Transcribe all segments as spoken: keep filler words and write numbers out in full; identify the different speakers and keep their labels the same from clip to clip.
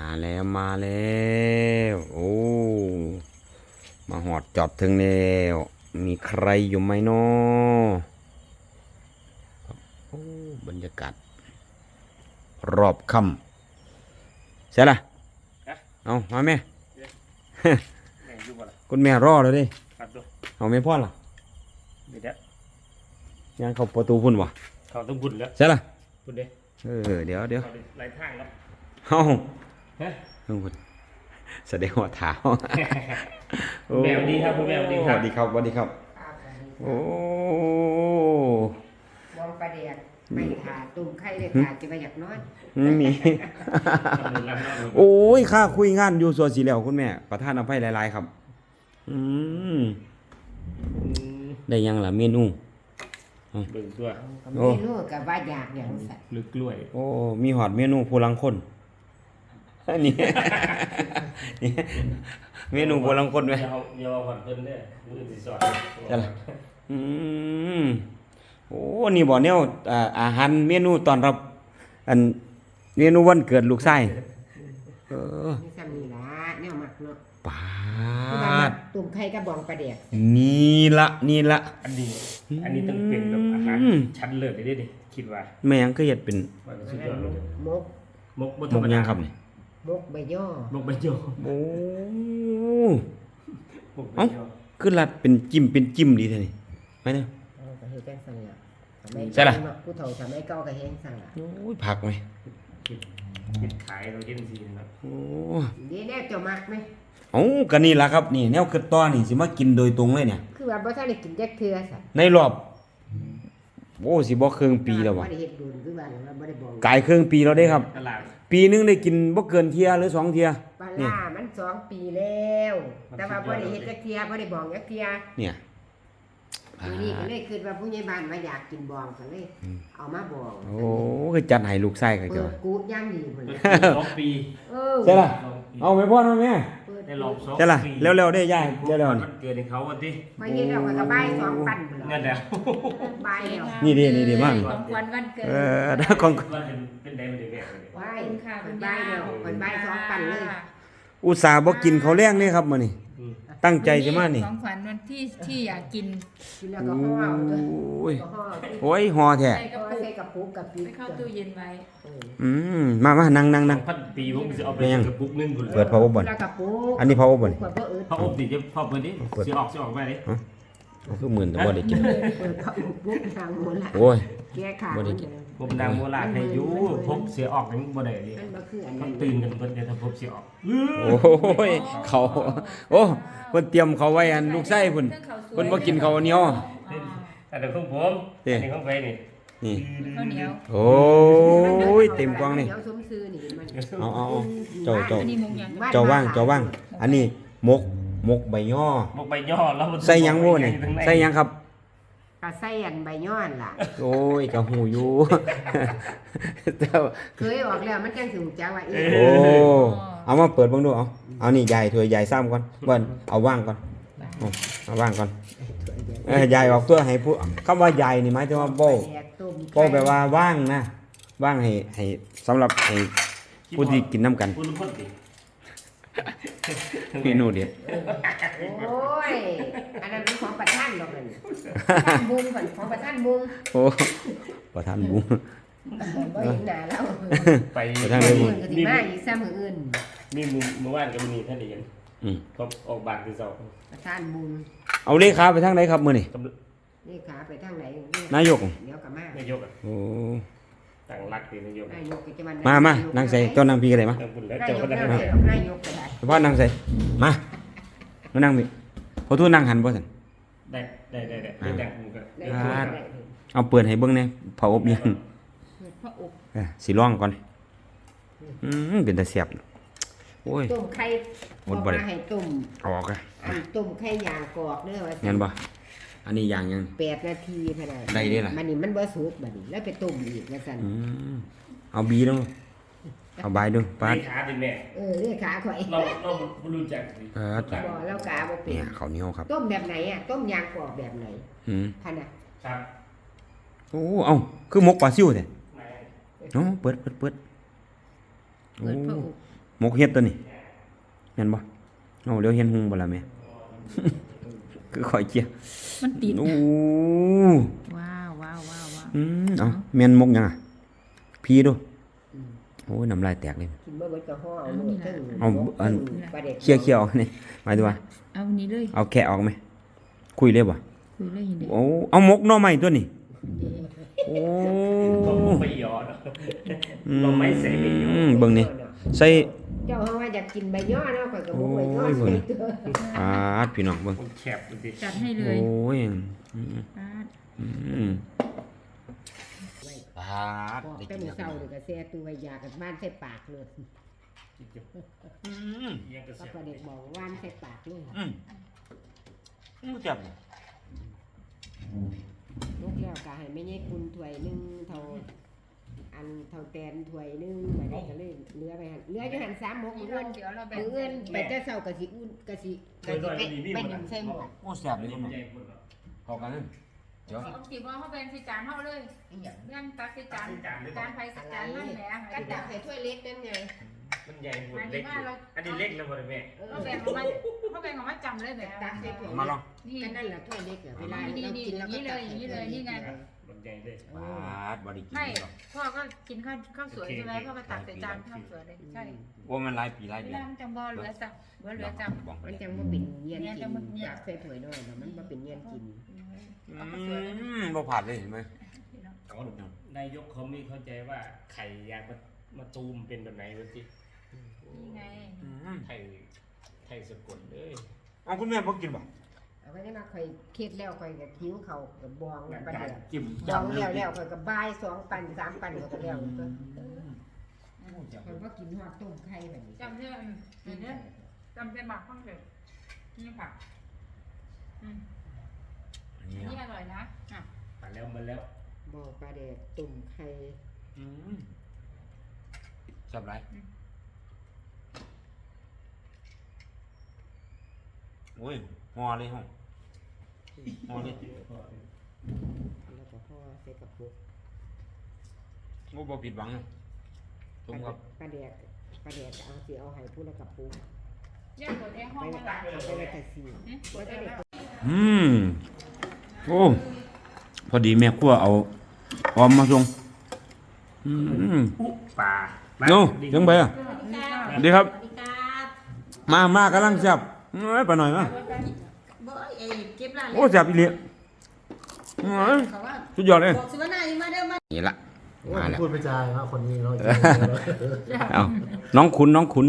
Speaker 1: แล้วมาแล้วโอ้มาหอดจอดถึงแล้วมีใครอยู่ไหมเนาะโอ้บรรยากาศรอบค่ำใช่ล่ะเอามาแม่ คุณแม่รอเลยดิเอาแม่พ่อล่ะ
Speaker 2: เดี๋ยว
Speaker 1: ยังเข้าประตูพุ่นวะ
Speaker 2: เขาต้องบุญแล้ว
Speaker 1: ใช่ล่ะ
Speaker 2: บุญเด้
Speaker 1: เออเดี๋ยวเดี๋ยว
Speaker 2: หลายทางแล้ว
Speaker 1: เอ้า
Speaker 2: ฮะ
Speaker 1: พุ่นแสดงว่าเท้า
Speaker 2: แมวดีครับคุณแมวดีครับ
Speaker 1: สวัสดีครับสวัสดีครับโอ้
Speaker 3: บองประเดียกไม่ขาดตุ่มไข่เลยขาดจะไปอยากน้อย
Speaker 1: ไม่มีโอ้ยข้าคุยงานอยู่ส่วนสีเหลวคุณแม่ประธานอภัยหลายๆครับอืมได้ยังล่ะเมนู
Speaker 2: เบิ่งตัว
Speaker 3: เมนูกับว่าอยากอย่างสัตว์
Speaker 2: ลึกกล้วย
Speaker 1: โอ้มีหอดเมนูผู้ลังคนนี่นี่เมนูผู้ลังคนไหม
Speaker 2: เยาเยาหอนเพิ่นเด้อมือสิสอน
Speaker 1: ใช่ล่ะอืมโอ้นี่บ่แนวอาหารเมนูตอนรับอันเมนูวันเกิดลูกชายเออ
Speaker 3: นี่ซ้ำนี่ละแนวหมักเนาะ
Speaker 1: ปาด
Speaker 3: ตุ่มไข่กับบองประเดียก
Speaker 1: นี่ละนี่ละ
Speaker 2: อันนี้อันนี้ต้องเป็นแบบอาหารชั้นเลิศเลยดิคิดว่า
Speaker 1: แม่ยังก็เฮ็ดเป็น
Speaker 3: มก
Speaker 2: มกบ่ธรรมดา
Speaker 1: ครับนี่
Speaker 3: มกใบย่อ
Speaker 2: มกใบย่อ
Speaker 1: โอ้เอ้าคือรัดเป็นจิ้มเป็นจิ้มดีแท้นี่ไปเด้อ
Speaker 3: เออก็เฮ็ดจังซั่นล่ะ
Speaker 1: ใช่ล่ะ
Speaker 3: ผู้เฒ่าทำให้เก่าก็เฮ็ดซั่นล่ะ
Speaker 1: โอ้ยผักไหม
Speaker 2: คิดขายเราเห็นสิครับ
Speaker 1: โอ้
Speaker 3: ดีแน่เจ้ามักมั้ย
Speaker 1: เอ้าก็นี่ล่ะครับนี่แนวคิดต่อนี่สิมากินโดยตรงเลยเนี่ย
Speaker 3: คือว่าบ่ทันได้กินจักเทื่อซะ
Speaker 1: ในรอบโอ้สิบ่ครึ่งปีแล้วบ่
Speaker 3: บ่ได้เฮ็ดบุญคือว่าบ่ได้บอก
Speaker 1: กายครึ่งปีแล้วเด้ครับปีนึงได้กินบ่เกินเที่ยหรือสองเที่ย
Speaker 3: ปลาล่ามันสองปีแล้วแต่ว่าบ่ได้เฮ็ดจักเที่ยบ่ได้บอกจักเที่ย
Speaker 1: เนี่ย
Speaker 3: ทีนี้ก็เลยคิดว่าผู้ใหญ่บ้านว่าอยากกินบองก็เลยเอามาบอง
Speaker 1: โอ้คือจัดให้ลูกชายก็เจ้า
Speaker 3: กูดย่างดีพุ่น
Speaker 2: สองปี
Speaker 3: เออ
Speaker 1: ใช่ล่ะเอาแม่พ่อแม่
Speaker 2: ได้รอบสอง
Speaker 1: ใช่ล่ะเร็วๆได้ย่ายเร็วๆนี่
Speaker 2: เกิดให้เขาวันที่
Speaker 3: พอเฮ็ดแล้วก็บายสองปันพุ่น
Speaker 2: นั่นแหละ
Speaker 3: บายแล้ว
Speaker 1: นี่ดีนี่ดีมาก
Speaker 4: ของขวัญวันเกิด
Speaker 1: เออถ้าของ
Speaker 2: วันเป็นเป็นได้มันได้แบบนี้
Speaker 3: บายค่ะบายแล้วคนบายสองปันเลย
Speaker 1: อุตส่าห์บ่กินข้าวแลงนี่ครับมื้อนี้ตั้งใจจะมานี่
Speaker 4: ของขวัญวันที่ที่อยากกิน
Speaker 3: กินแล้วก็ห่อเอาเด้อ
Speaker 1: โอ้ยโอ้ยห่อแท้
Speaker 3: ใส่กระปุกกับปิด
Speaker 4: เข้าตู้เย็นไว้
Speaker 1: อืมมามานั่งนั่งนั่ง
Speaker 2: พันปีผมสิเอาไปกระปุกนึงพุ่น
Speaker 1: เปิด power บ่อันนี้ power บ่นี่
Speaker 2: power ดิจะ power ดิสิออกสิออกไปดิ
Speaker 1: คือหมื่นแต่บ่ได้กิน
Speaker 3: เปิด power ทางโบราณ
Speaker 1: โอ้ย
Speaker 3: แก้ขา
Speaker 1: บ่ได้กิน
Speaker 2: ผมนางโบราณให้อยู่พบเสียออกยังบ่ได้ดิมันตื่นกันเพิ่นจะพบเสียออก
Speaker 1: โอ้ยเขาโอ้เพิ่นเตรียมเขาไว้อันลูกไส้เพิ่นเพิ่นบ่กินข้าวเหนียว
Speaker 2: อันนี้ของผมอันนี้ของไปนี่
Speaker 1: นี่
Speaker 4: ข้าวเหนียว
Speaker 1: โอ้ยเต็มกล่องนี่เอาเอาเจ้าเจ้าเจ้าว่างเจ้าว่างอันนี้มกมกใบย่อ
Speaker 2: มกใบย่อแล้ว
Speaker 1: ใส่หยังบ่นี่ใส่หยังครับ
Speaker 3: ก็ใส่อันใบย้อนล่ะ
Speaker 1: โอ้ยก็หูอยู่เจ้า
Speaker 3: เคยออกแล้วมันจังสิฮู้จักว่าอี
Speaker 1: โอ้เอามาเปิดเบิ่งดูเอาเอานี่ใหญ่ถ้วยใหญ่ซ้ำก่อนเบิ่นเอาว่างก่อนเอาว่างก่อนเอ้ยใหญ่ออกตัวให้ผู้คำว่าใหญ่นี่หมายถึงว่าโบ้โบ้แปลว่าว่างนะว่างให้ให้สำหรับให้ผู้ที่กินน้ำกันเมนูเด็ด
Speaker 3: โอ้ยอันนั้นเป็นของประธานดอกนั่นประธานบุญก่อนของประธานบุญ
Speaker 1: โอ้ประธานบุญ
Speaker 3: บ่เห็นหน้าแล้ว
Speaker 1: ไปประธานบุญ
Speaker 3: ก็สิมาอีกซ้ำมื้ออื่น
Speaker 2: มีมื้อเมื่อวานก็มีท่านได้เห็นอืมพบออกบ้านคือเจ้า
Speaker 3: ประธานบุญ
Speaker 1: เอาเลขาไปทางไหนครับมื้อนี้
Speaker 3: เลขาไปทางไหน
Speaker 1: นายก
Speaker 3: เดี๋ยวก็มาน
Speaker 2: ายกโอ้ตั้งรักดีนายก
Speaker 3: นายกจะ
Speaker 1: มามานั่งใส่เจ้านั่งพี่ก็ได้มาน
Speaker 3: ายกนายกก็ได้
Speaker 1: พ่อนั่งใส่มามานั่งพี่พอทูนั่งหันบ่ซั่น
Speaker 2: ได้ได้ได้ได้ได้ผมก็
Speaker 1: เอาเปิดให้เบิ่งแน่เผาอบยัง
Speaker 4: เผาอบ
Speaker 1: เออสิลองก่อนอืมเป็นตาแซ่บโอ้ย
Speaker 3: ต้มไข่บ่มาให้ต้ม
Speaker 1: ออกอ่ะ
Speaker 3: อันต้มไข่ยางกอกเด้อว่า
Speaker 1: งั้นบ่อันนี้อย่างยัง
Speaker 3: แปดนาทีพะน่ะ
Speaker 1: ได้เด้ล่ะ
Speaker 3: มันนี่มันบ่สุกบัดนี้แล้วไปต้มอีกว่าซั่น
Speaker 1: อืมเอาบีดูเอาใบดูปาด
Speaker 2: ขาดิแม่
Speaker 3: เออเลขาข่อย
Speaker 2: เราเราบ่รู้จักสิ
Speaker 1: เออ
Speaker 3: บ่แล้วกาบ่เป็น
Speaker 1: เนี่ยข้าวเหนียวครับ
Speaker 3: ต้มแบบไหนอ่ะต้มยางกอกแบบไหน
Speaker 1: อืม
Speaker 3: คั่นน่ะ
Speaker 2: ครับ
Speaker 1: โอ้เอ้าคือหมกปลาซิ่วแท้เนาะเปิดเปิดเปิดโอ้หมกเฮ็ดตัวนี้เห็นบ่เอาเดี๋ยวเห็นหุงบ่ล่ะแม่ คือข่อยเจีย
Speaker 4: มันติด
Speaker 1: โอ้
Speaker 4: ว้าวว้าวว้าวว้าว
Speaker 1: อืมเอาแม่นหมกหยังอ่ะพี่ดูโอ้ยน้ำลายแตกเลย
Speaker 3: กินบ่เบิดก็ห่อเอามือถึง
Speaker 1: เอาอัน
Speaker 3: ปลาเด็ก
Speaker 1: เคี่ยวเคี่ยวๆนี่หมายถึงว่า
Speaker 4: เอานี้เลย
Speaker 1: เอาแกะออกไหมคุยเลยบ่
Speaker 4: คุยเลยเห็นเด็ก
Speaker 1: โอ้เอาหมกหน่อไม้ตัวนี้โอ้
Speaker 2: ก็ไปหยอดเราไม่ใส่ไม่หยอ
Speaker 1: อื
Speaker 2: ด
Speaker 1: มเบิ่งนี่ใส่
Speaker 3: เจ้าเฮาว่าอยากกินใบย่อเนาะข่อยก็บ่ใบย่อ
Speaker 1: โอ้ยเบิ่ง
Speaker 3: ใส่ตัว
Speaker 1: ปาดพี่น้องเบิ่ง
Speaker 2: มันแคบดูดิ
Speaker 4: จัดให้เล
Speaker 1: โอ้
Speaker 4: ย
Speaker 1: ยอืม
Speaker 4: ปาด
Speaker 1: อืมปาด
Speaker 3: บอก
Speaker 1: ได้
Speaker 3: แต่
Speaker 1: กิน
Speaker 3: มื้อ
Speaker 1: แล้ว
Speaker 3: เช้านี่ก็แซ่ตัวไว้ยากันบ้านใส่ปากเลย
Speaker 1: อืม
Speaker 2: ยังกระ
Speaker 3: ก็
Speaker 2: เสีย
Speaker 3: ปลาเด็กบอกว่านใส่ปากเลย
Speaker 1: อืมอืมจับ
Speaker 3: ลูกแล้วก็ให้แม่ใหญ่คุณถ้วยหนึงเท่าอันเท่าแตนถ้วยหนึงบัดนี้ก็เลยเหลือไปหั่นเหลืออยู่หั่นสามหมกมื้ออื่น
Speaker 4: เดี๋ยวเราแบ่ง
Speaker 3: มื้ออื่นไปแต่เช้าก็สิอุ่นก็สิก็สิไปไปนึ่งใส่หม้อ
Speaker 1: โอ้แซ่บเลยคุณน้องเข้ากันเลยเดี๋ยว
Speaker 4: เอากี่บ่เขาแบ่งใส่จานเฮาเลยเรื่องตักใส่จานจานไผใส่จานนั่นแหละ
Speaker 3: ก็ตักใส่ถ้วยเล็กนั่นไง
Speaker 2: มันใหญ่หมดเล็กอยู่อันนี้เล็กแล้วบ่ได้แม่
Speaker 3: เออ
Speaker 4: เขาแบ่งออกมาเขาแบ่งออกมาจำเลยแบบ
Speaker 3: ตักใส่ถ้วย
Speaker 1: มาลอง
Speaker 4: นี่
Speaker 3: ก็นั่นแหละถ้วยเล็กอะเวลา
Speaker 4: นี่
Speaker 3: เรา
Speaker 4: นี่
Speaker 3: กินแล้วก็
Speaker 4: นี่เลยนี่เลยนี่ไง
Speaker 2: มันใหญ่เลย
Speaker 1: ปาดบ่ได้กิน
Speaker 4: ไม่
Speaker 1: หรอก
Speaker 4: พ่อก็กินข้าวข้าวสวยใช่ไหมพ่อก็ตักใส่จานข้าวสวยเลยใช่
Speaker 1: ว่ามันหลายปีหลาย
Speaker 4: เว
Speaker 1: เดือ
Speaker 4: ลาน มันจังบ่เหลือจับบ่เหลือจับ
Speaker 1: บอก
Speaker 3: มันจังว่าเป็นเงียนกินตักใส่ถ้วยด้วยแต่มันมาเป็นเงียนกิน
Speaker 1: อืมบ่ผ่านเลยเห็นไหม
Speaker 2: นายกเขาไม่เข้าใจว่าไข่ยางมาตูมเป็นแบบไหนวะสิ
Speaker 4: นี่ไง
Speaker 1: อืม
Speaker 2: ไข่ไข่สกุลเลย
Speaker 1: เอาคุณแม่บ่กินบ่
Speaker 3: เอาก็นี่มาคอยเคล็ดแล้วคอยกับคิ้วเขากับบองประ
Speaker 2: การ
Speaker 3: เดี๋ยว
Speaker 2: จิ้ม
Speaker 3: บองแล้วแล้วคอยกับบายสองปันสามปันก็แล้วก็คอยว่ากินหอดต้มไข่แบบนี้
Speaker 4: จำได้นี่เนี่ยจำเป็นหมักข้างเดียวนี่ผักอืม
Speaker 1: นี่
Speaker 4: นี่อร่อยนะอ่ะ
Speaker 2: มาแล้วมาแล้ว
Speaker 3: บอกปลาแดกต้มไข่
Speaker 1: อืมจับไรโอ้ยห่อเลยห่อห่อเลย
Speaker 3: แล้วก็ห่อใส่กระปุก
Speaker 1: โอ้บ่ผิดหวังเลยชมครับ
Speaker 3: ปลาแดกปลาแดกเอาสิเอาให้ผู้ละกระปุก
Speaker 4: ย่างหมดแอร์ห้องมาละ
Speaker 3: ไปไว้แต่สีว่าจะเด็ก
Speaker 1: อืมโอ้พอดีแม่ครัวเอาออมมาส่งอืม
Speaker 2: อุ๊ปลา
Speaker 1: โน่ยังไปอ่ะดีครับ มามากํลังแซ่บเอ้ยไปหน่อยมา
Speaker 5: บ่เอ้ยเก็บร้าน
Speaker 1: โอ้แซ่บอีหลีเอ้ย
Speaker 5: เขาว่า
Speaker 1: สุดยอดเลย
Speaker 5: บอกสิว่าหน้านี่มาเด้อมา
Speaker 1: นี่ละมาแล้ว
Speaker 6: พูดไปจายนะคนนี้เนาะ
Speaker 1: เอาน้องขุนน้องขุน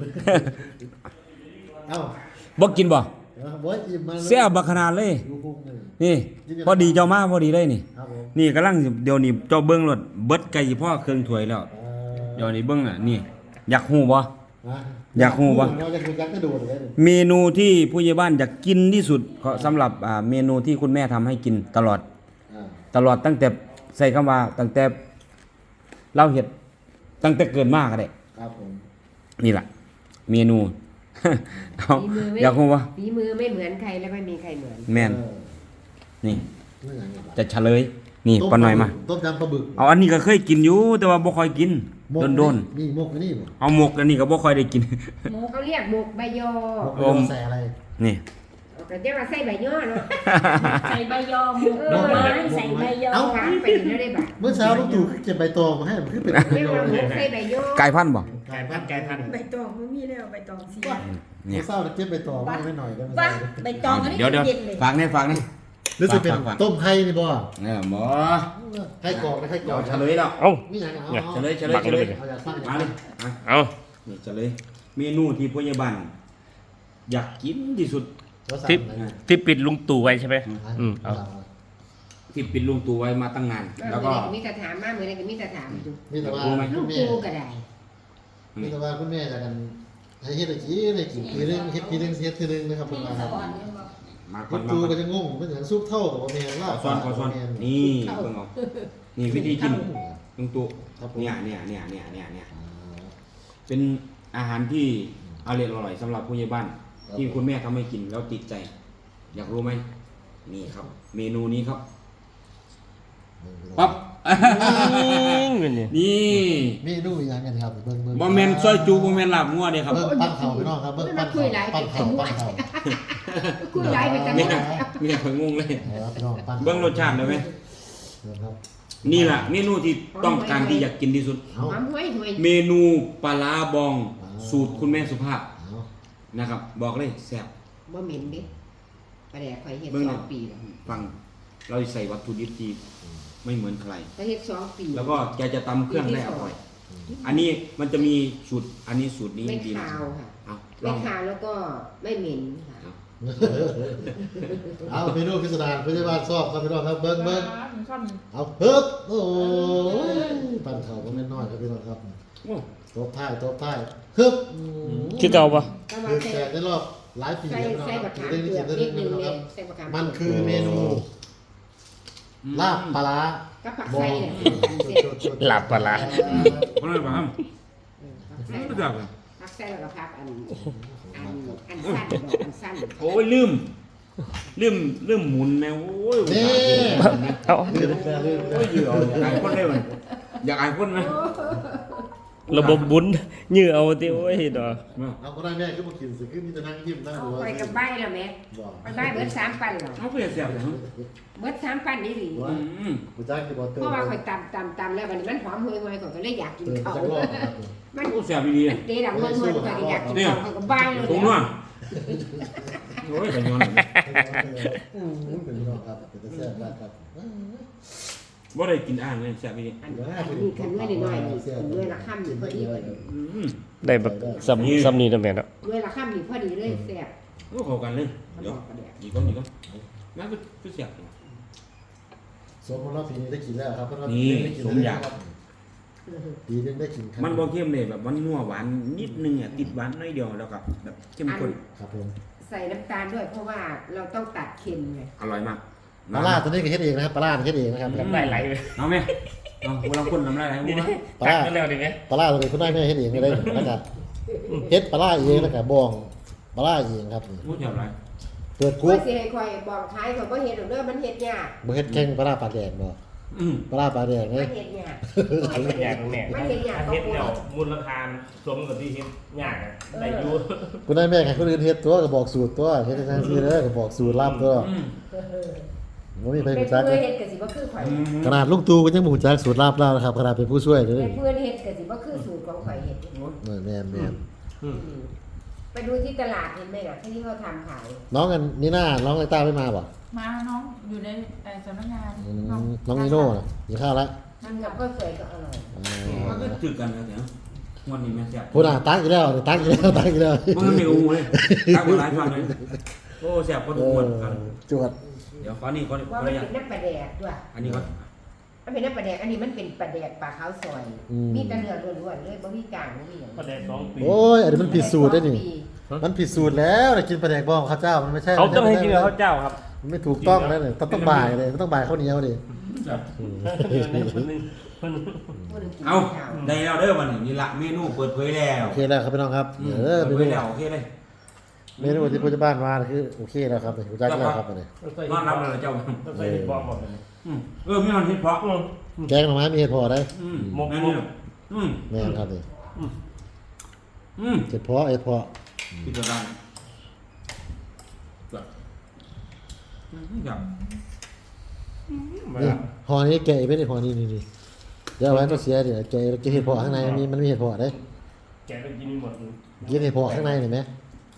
Speaker 6: เอ้า
Speaker 1: บ่กินบ่
Speaker 6: บ่อิ่มมา
Speaker 1: แซ่บบักขนาดเลย
Speaker 6: ดูพุงหนึ่ง
Speaker 1: นี่ พอดีเจ้ามาพอดีเลยนี่
Speaker 6: ครับผม
Speaker 1: นี่กำลังสิเดี๋ยวนี้เจ้าเบิ่งรถเบิดไก่พ่อเครื่องถ้วยแล้ว
Speaker 6: เอ่อ
Speaker 1: เดี๋ยวนี้เบิ่งอ่ะนี่ อยากฮู้บ่
Speaker 6: นะ
Speaker 1: อยากรู้ปะ
Speaker 6: เราจะคุยกันกระโดดเลย
Speaker 1: เมนูที่ผู้ใหญ่บ้านอยากกินที่สุดก็สำหรับอ่าเมนูที่คุณแม่ทำให้กินตลอด
Speaker 6: อ่า
Speaker 1: ตลอดตั้งแต่ใส่คำว่าตั้งแต่เราเฮ็ดตั้งแต่เกิดมาก็ได้
Speaker 6: ครับผม
Speaker 1: นี่ล่ะ เมนู เอา
Speaker 3: ฝีมือไม่
Speaker 1: อยากฮู้บ่
Speaker 3: ฝีมือไม่เหมือนใครและไม่มีใครเหมือน
Speaker 1: แม่น
Speaker 6: เออ
Speaker 1: นี่
Speaker 6: นี่อย่างเงี้ย
Speaker 1: จะเฉลย นี่ปาหน่อยมา
Speaker 6: ต้มยำปลาบึก
Speaker 1: เอาอันนี้ก็เคยกินอยู่แต่ว่าบ่ค่อยกิน
Speaker 6: หมก
Speaker 1: โดน
Speaker 6: นี่หมกอันนี่บ่
Speaker 1: ๆเอาหมกอันนี้ก็บ่ค่อยได้กิน
Speaker 3: เขาเรียกหมกใบยอ
Speaker 6: หมก
Speaker 1: โอม
Speaker 6: ใส่อะไร
Speaker 1: นี่
Speaker 3: แต่จะมาใส่ใบยอเนาะ
Speaker 5: ใส่ใบยอหมกหน่อไม้ใส่ใบยอ
Speaker 6: เอ้า
Speaker 3: หวานไปแล้วได้บ่ะ
Speaker 6: เมื่อเช้าลูกตู่เก็บใบตองมาให้มันขึ้นเป็นใบ
Speaker 3: เรียก
Speaker 6: ยอ
Speaker 3: ว่าหม
Speaker 6: เลย
Speaker 3: กใส่ใบยอ
Speaker 1: ไก่พันธุ์บ่
Speaker 2: ไก่พันไก่พัน
Speaker 5: ใบตองบ่มีแล้วใบตองเสีย
Speaker 1: เนี่
Speaker 6: เมื่
Speaker 1: ย
Speaker 6: อเช้าเราเก็บใบตองมาให้หน่อยได้ไหม
Speaker 5: ว่าใบตองอันนี้
Speaker 1: เดี๋ยวเดี๋ยว
Speaker 5: เย็นเลย
Speaker 1: ฝากแน่ฝากแน่
Speaker 6: รู้สึกเป็น
Speaker 1: ฝากฝาก
Speaker 6: ต้มไข่นี่บ่
Speaker 1: เออบ่
Speaker 6: ไข่กรอกนะไข่กร
Speaker 1: เดี๋
Speaker 6: อ
Speaker 1: ยว
Speaker 6: ก
Speaker 1: เฉลยแล้ว
Speaker 2: เอ้า
Speaker 6: นี่อย่างเอา
Speaker 1: เฉลยเฉลยเฉลย
Speaker 6: เอาอยากฟัง
Speaker 1: มาเลยอ่ะ
Speaker 2: เอา
Speaker 1: นี่เฉลยเมนูที่ผู้ใหญ่บ้านอยากกินที่สุด
Speaker 2: ที่ที่ปิดลุงตู่ไว้ใช่ไหมอืมเอา
Speaker 1: ที่ปิดลุงตู่ไว้มาตั้งนาน แล้วก็
Speaker 3: มีแต่ถามมาเหมือนกันมีแต่ถาม
Speaker 6: มีแต่ว่า
Speaker 1: รู้ไหม
Speaker 3: ลู
Speaker 6: คุ
Speaker 3: ก
Speaker 6: ณแม่
Speaker 3: ปูก็ได้
Speaker 6: มีแต่ว่าคุณแม่จะกันให้เฮ็ดอะไรกินอะไรกินปีนึงเฮ็ดปีนึงเฮ็ดทีนึงนะครับประมาณนั้น
Speaker 1: มาค
Speaker 6: คุ
Speaker 1: น
Speaker 6: ณ
Speaker 1: มา
Speaker 6: ตู
Speaker 1: คน
Speaker 6: ก็จะงงเป็นอย่างซุปเท่ากับบ่แม่นลา
Speaker 1: ข
Speaker 6: บ
Speaker 1: อซ้อนขอซ้อนนี่เบิ่งเอานี่วิธีกินลุงตู่
Speaker 6: ครับผม
Speaker 1: เนี่ยเนี่ยเนี่ยเนี่ยเนี่ยเนี่ยเป็นอาหารที่อร่อยอร่อยสำหรับผู้ใหญ่บ้าน ที่คุณแม่ทำให้กินแล้วติดใจ อยากรู้ไหมนี่ครับ เมนูนี้ครับปั๊บนี่
Speaker 6: เมนูอีหยังกันครับเบิ่งเบิ่ง
Speaker 1: บ่แม่นซอยจูบ่แม่นลาบงัวเด้ครับ
Speaker 6: เบิ่งปั้นเข่าพี่น้องครับเบิ่งปั้นเข่าปั้นเข่าปั้นเข่า
Speaker 3: คุยหลายไปจัง
Speaker 1: แม่
Speaker 3: เลย
Speaker 1: แม่เพิ่งงงเลย
Speaker 6: ครับพี่น้องปั้น
Speaker 1: เบิ่งรสชาติได้ไหม
Speaker 6: ครับ
Speaker 1: นี่ล่ะเมนูที่ต้องการที่อยากกินที่สุด
Speaker 6: เอา
Speaker 3: หอมห้วยห้วย
Speaker 1: เมนูปลาร้าบองสูตรคุณแม่สุภาพ
Speaker 6: เอา
Speaker 1: นะครับ บอกเลยแซ่บ
Speaker 3: บ่เหม็นดิปลาแดกข่อยเฮ็ด
Speaker 1: เบิ่ง
Speaker 3: ส
Speaker 1: ห
Speaker 3: อ
Speaker 1: น่อง ย
Speaker 3: ปีแล้ว
Speaker 1: ฟังเราใส่วัตถุดิบที่ไม่เหมือนใคร
Speaker 3: ข่อยเฮ็ดสองปี
Speaker 1: แล้วก็แกจะตำเครื่องได้อร่อย อันนี้มันจะมีสูตรอันนี้สูตรนี้
Speaker 3: ไม่
Speaker 1: ดีนะ
Speaker 3: คาวค่ะ
Speaker 1: เอาล
Speaker 3: ไม่
Speaker 1: อง
Speaker 3: คาวแล้วก็ไม่เหม็นค่ะ
Speaker 6: เอาเมนูพิสดารเพื่อนบ้านชอบครับพี่น้องครับเบิ้งเบิ้ง
Speaker 4: ผมชอบ
Speaker 6: เอาเฮิบโอ้ยปั้นเข่าก็ไม่น้อยครับพี่น้องครับ
Speaker 1: โอ้
Speaker 6: ตบท้ายตบท้ายเฮิบ
Speaker 7: คือเก่าปะ
Speaker 3: ก็มา
Speaker 6: คือ
Speaker 3: ใส่
Speaker 6: แจกในรอบหลายปี
Speaker 3: ใส่
Speaker 6: แล้วพี่น้อง
Speaker 3: ใส่
Speaker 6: ค
Speaker 3: บั
Speaker 6: รับ
Speaker 3: กขาม
Speaker 6: ได้
Speaker 3: เปลื
Speaker 6: ยิ
Speaker 3: อน ก
Speaker 6: ได้
Speaker 3: นิ
Speaker 6: ยิ
Speaker 3: ด
Speaker 6: น
Speaker 3: นึง
Speaker 6: นะ
Speaker 3: เล
Speaker 6: ครั
Speaker 3: ย
Speaker 6: บ
Speaker 3: ใส่บักขาม
Speaker 6: มันคือเมนูลาบปลาร้า
Speaker 3: ก็ผัก
Speaker 6: บอ
Speaker 3: ไส้
Speaker 6: ง
Speaker 3: เนี่ยเสร็จ
Speaker 7: หลับปะละ
Speaker 1: เพราะอะไรบ้าง
Speaker 3: ผักไส้
Speaker 1: ไม่จับเลย
Speaker 3: ผักไส้แล้วก็ผักอันอันอันสั้นดอกอันสั้น
Speaker 1: โอ้ยลืมลืมลืมหมุนแมวโอ้ย
Speaker 6: นี่
Speaker 7: เอา
Speaker 6: ลืมแล้วลืมแล้
Speaker 1: โอ้
Speaker 6: วย
Speaker 1: ยือเอาอยากอายคนได้ไหมอยากอายคนไหม
Speaker 7: ระบบบุญยื้อเอาติโอ้ยดอก
Speaker 6: เอาก็ได้แม่ขึ้นมากินสิขึ้นมีแต่นั่งยิ้มนั่ง
Speaker 3: เอา
Speaker 6: ดู
Speaker 3: ไปกับใบแล้วแม่
Speaker 6: บอก
Speaker 3: ไปใบเบิดสามปันเหรอ
Speaker 1: เอาเพื่อเสียบเลย
Speaker 3: เบิดสามปันนี่หรือ
Speaker 1: อืม
Speaker 6: กูจ้างกี่บอลเตอร์
Speaker 3: เพราะว่าข่อยตำตำตำแล้ววันนี้มันหอมห่วยห่วยข่อยก็เลยอยากกิน
Speaker 6: เติม
Speaker 3: เขา
Speaker 6: จักรอบครับ
Speaker 3: มัน
Speaker 1: โอ้เสียบดี
Speaker 3: เดดังห่วยห่วยข่อยก็อยากกินเขาข่อยก็ใบเลย
Speaker 1: ๆตรงนู้นโอ้ยแต่ย้อน
Speaker 6: อืมเป็นพี่น้องครับเป็นแซ่บมากครับ
Speaker 1: ว่าได้กินอ่างเลยเสียบดี
Speaker 3: อันนี้คันด้วยน้อยๆนี่ด้วยละค่ำนี่พอดีเลย
Speaker 1: อืม
Speaker 7: ได้แบบซ้ำซ้ำนี่นะแม่เนาะ
Speaker 3: ด้วยละค่ำนี่พอดีเลยแซ่บ
Speaker 1: โอ้เข้ากันเลยเดี๋ยวดีก้อนดีก้อนงั้นก็เสียบ
Speaker 6: สมมติว่าปีนี้ได้กินแล้วครับเพราะว่า
Speaker 1: นี่
Speaker 6: ได้กิน
Speaker 1: สมอยาก
Speaker 6: ปีนึงได้กินครับ
Speaker 1: มันบ่เข้มเลยแบบมันนัวหวานนิดนึงอ่ะติดหวานน้อยเดียวแล้วก็แบบเข้มข้น
Speaker 6: ครับผม
Speaker 3: ใส่น้ำตาลด้วยเพราะว่าเราต้องตัดเค็มไง
Speaker 1: อร่อยมาก
Speaker 6: ปลาล่าตัวนี้ก็เฮ็ดเองนะครับปลาล่าเฮ็ดเองนะครับ
Speaker 7: ได้ไหลเลย
Speaker 1: เอาไหมเอาเวลาคนน้ำลายไหลหัว
Speaker 6: ปลา
Speaker 7: ตั
Speaker 6: ล่าก
Speaker 7: แล้วดิแม่
Speaker 6: ปลาล่าตัวนี้คุณได้แม่เฮ็ดเองก็ได้นะครับเฮ็ดปลาล่าเองแล้วก็บองปลาล่าเองครับ
Speaker 1: พูดอย่างไร
Speaker 6: เปิด
Speaker 3: คุ
Speaker 6: คุ
Speaker 3: ย
Speaker 6: ก
Speaker 3: สิให้คอยบอกท้ายเขาบ่เฮ็ดหรอกเด้อมันเฮ็ดยาก
Speaker 6: บ่เฮ็ดแข่งปลาล่าปลาแดงบ่
Speaker 1: อืม
Speaker 6: ปลาล่าปลาแดง
Speaker 3: มั
Speaker 6: เด้
Speaker 3: นเฮ็ดยาก
Speaker 7: อันนี้ยากแม่
Speaker 3: มันเฮ็ดยากก็
Speaker 2: เฮ็ด
Speaker 3: ปว
Speaker 2: แล้ว
Speaker 3: ด
Speaker 2: มูลค่าสมกับที่เฮ็ดยากอะได้อยู่
Speaker 6: คุณได้แม่ให้คนอื่นเฮ็ดตัวก็บอกสูตรตัวเฮ็ดให้ทางซี่เด้อก็บอกสูตรลับตัว
Speaker 1: อืม
Speaker 6: บ่มีใคร
Speaker 3: เป็น
Speaker 6: รู้จัก
Speaker 3: เพื่อนเฮ็ดก็สิบ่คือข่อย
Speaker 6: ขนาดลุงตู่ก็ยังบ่รู้จักสูตรลับแล้วนะครับขนาดเป็นผู้ช่วยเด้อ
Speaker 3: เป็นเพื่อนเฮ็ดก็สิบ่คือสูตรของข่อยเฮ็ด
Speaker 6: แม่นแม่นแม่น
Speaker 3: ไปดูที่ตลาดเห็นไหมล่ะที่เขาทำขาย
Speaker 6: น้องกันนี่น่าน้องไอ้ต้าไม่มาบ่
Speaker 4: มาน้องอยู่ในเอ่อสำนักงาน
Speaker 6: อืมน้องนีโน่น่ะกินข้าวแล้ว
Speaker 3: ทำกับข้าวสวยก็อร่อย
Speaker 1: มันก็จืดกันนะเดี๋ยววันนี้แม่เสียบ
Speaker 6: พูดอ่ะตักอีกแล้วตักอีกแล้วตักอีกแล้ว
Speaker 1: มันไม่อูเลยตั้งมาหลายฟังเลยโอ้เสียบคน
Speaker 6: เอ
Speaker 1: อ้วน
Speaker 6: อ
Speaker 1: กัน
Speaker 6: จวด
Speaker 1: เดี๋ยวขอนี่ขอนี่ข
Speaker 3: ว่า
Speaker 1: อ
Speaker 3: มัน
Speaker 1: ระยะ
Speaker 3: เป็นน้ำปลาแดกด้วย
Speaker 1: อันนี้ก่อน
Speaker 3: มันเป็นน้ำปลาแดกอันนี้มันเป็นปลาแดกปลาขาวซอย มีแต่เนื้อล้วนๆเลยบ่มีกลางบ่มีหยัง
Speaker 2: ก็ได้สองปี
Speaker 6: โอ้ยอันนี้มันผิดสูตรได้นี่ มันผิดสูตรแล้วนะกินปลาแดกบ้องข้าวเจ้ามันไม่ใช่
Speaker 7: เขาต้องให้กินกับข้าวเจ้าครับ
Speaker 6: มันไม่ถูกต้องแล้วเนี่ยต้องต้องบ่ายเลยต้องบ่ายข้าวเหนียวดิ
Speaker 2: คนนึงคนนึง
Speaker 1: เอาได้แล้วเด้อวันนี้นี่ละเมนูเปิดเผยแล้ว
Speaker 6: โอเคแล้วครับพี่น้องครับ
Speaker 1: อืม
Speaker 6: เออ
Speaker 1: เปิ
Speaker 6: เม
Speaker 1: ดเผ
Speaker 6: นู
Speaker 1: ยแล้วโอเคเลย
Speaker 6: เมนูที่ผู้ใหญ่บ้านมาคือโอเคแล้วครับผู้จักแล้วครับอันนี้
Speaker 1: นอนรับเลยเจ้า
Speaker 2: ต้องใส่ที่บอกหมดเลย
Speaker 1: อืมเออไม่นอนเฮ็ดเพราะ
Speaker 6: แกงหน่อไม้มีเห็ดพอได้
Speaker 1: อืมแม่นี่อืม
Speaker 6: แม่นครับนี่
Speaker 1: อืม
Speaker 6: เห็ดพอเห็ดพอ
Speaker 1: พิจารณาแบบอืมแบบ
Speaker 6: นี่ห่อนี้แกะอีกไม่ได้ห่อนี้นี่นี่เดี๋ยวเอาไว้มาเสียเดี๋ยวแกะแกะเห็ดพอข้างในมันมีมันมีเห็ดพอได้
Speaker 2: แกไปกินหมดเลย
Speaker 6: กินเห็ดพอข้างในเห็นไหม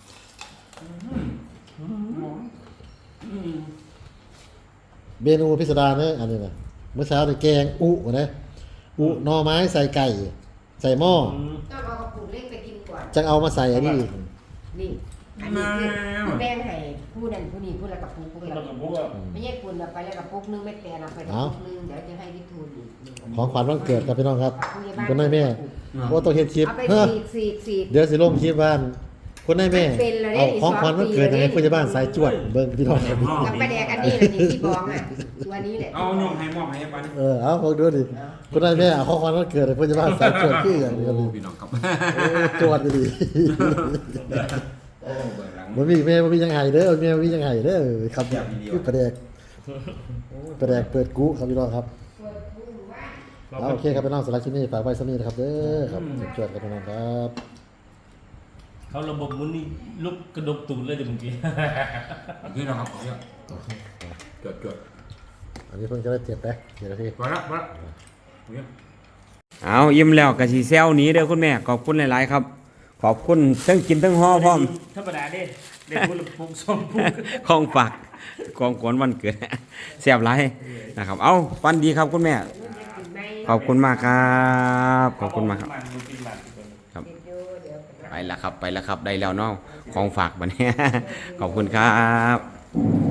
Speaker 1: อืม
Speaker 6: เมนูพิสดารเนี่ยอันนี้นะเมื่อเช้าเนี่ยแกงอุนะอุหน่อไม้ใส่ไก่ ใส่หม้อ
Speaker 3: ต้องเอากระปุกเล็กไปกินก่อน
Speaker 6: จะเอามาใส่อันนี้
Speaker 3: นี่อันนี้คือแบ่งให้ผู้นั้นผู้นี้ผู้ละกระปุกผู้ละ
Speaker 2: เรา
Speaker 3: ก
Speaker 2: ก็
Speaker 3: ระ
Speaker 2: บ
Speaker 3: ปุ
Speaker 2: อก กว่า
Speaker 3: ไม่ใช่คุณเอาไปแล้วกระปุกนึงไม่แต่เราไปกระปุกนึงเดี๋ยวจะให้วิทูลอีกหนึ่ง
Speaker 6: ของขวัญวันเกิดครับพี่น้องครับ
Speaker 3: ผู้ใหญ่บ้าน
Speaker 6: คนนายแม่ว่าต้องเห็นคลิป
Speaker 3: เอาไป
Speaker 6: เฮ้อ
Speaker 3: สีกสีกสีก
Speaker 6: เดี๋ยวสิลงคลิปบ้านคนนายแม่
Speaker 3: มันเป็นแล้วเนี่
Speaker 6: เอา
Speaker 3: ย
Speaker 6: ของขวัญวันเกิดยังไงผู้ใหญ่บ้านสายจวดเบิ่งพี่น้องครับ
Speaker 3: กับปลาแดกอันนี้แหละนี่ที่บองอ่ะตัวนี้แหละ
Speaker 1: เอายองให้มอบให้ปัน
Speaker 6: เออเอาพวกดูดิคนนายแม่เอาของขวัญวันเกิดให้ผู้ใหญ่บ้านสายจวดคืออย่างนี้ครับ
Speaker 1: โอ้พี่น้องครับ
Speaker 6: โอ้จวดดี
Speaker 1: โอ้เบิดหลัง
Speaker 6: มันมีแม่มันมียังไงเด้อแม่มันมียังไงเด้อครับคือประแดกประแดกเปิดกุครับพี่น้องครับ
Speaker 3: เปิดผู้ว่า
Speaker 6: เอาโอเคครับพี่น้องสำหรับคลิปนี้ฝากไว้สักนิดนะครับเด้อครับจวดๆครับพี่น้องครับ
Speaker 7: เขาระบบมุนนี่ลุกกระดกตูดเลยเดี๋ยวเมื่อกี้
Speaker 1: นี่นะครับเนี่ยจดจด
Speaker 6: อันนี้เพิ่งจะได้เจ็ดนะเจ็ดนาที
Speaker 1: มาละมาละเอายิ้มแล้วกะสีเซลหนี้เด้อคุณแม่ขอบคุณหลายๆครับ ขอบคุณทั้งกินทั้งห่อพร้อม
Speaker 7: ธรรมดาเด้เด็กบุรุษปุกสองปุก
Speaker 1: ของฝากของขวัญวันเกิด แซ่บหลายนะครับ เอาฟันดีครับคุณแม่ ขอบคุณมากครับ ขอบคุณมากครับ ครับ ไปแล้วครับ ไปแล้วครับ ได้แล้วเนาะของฝากบัดนี้ ขอบคุณครับ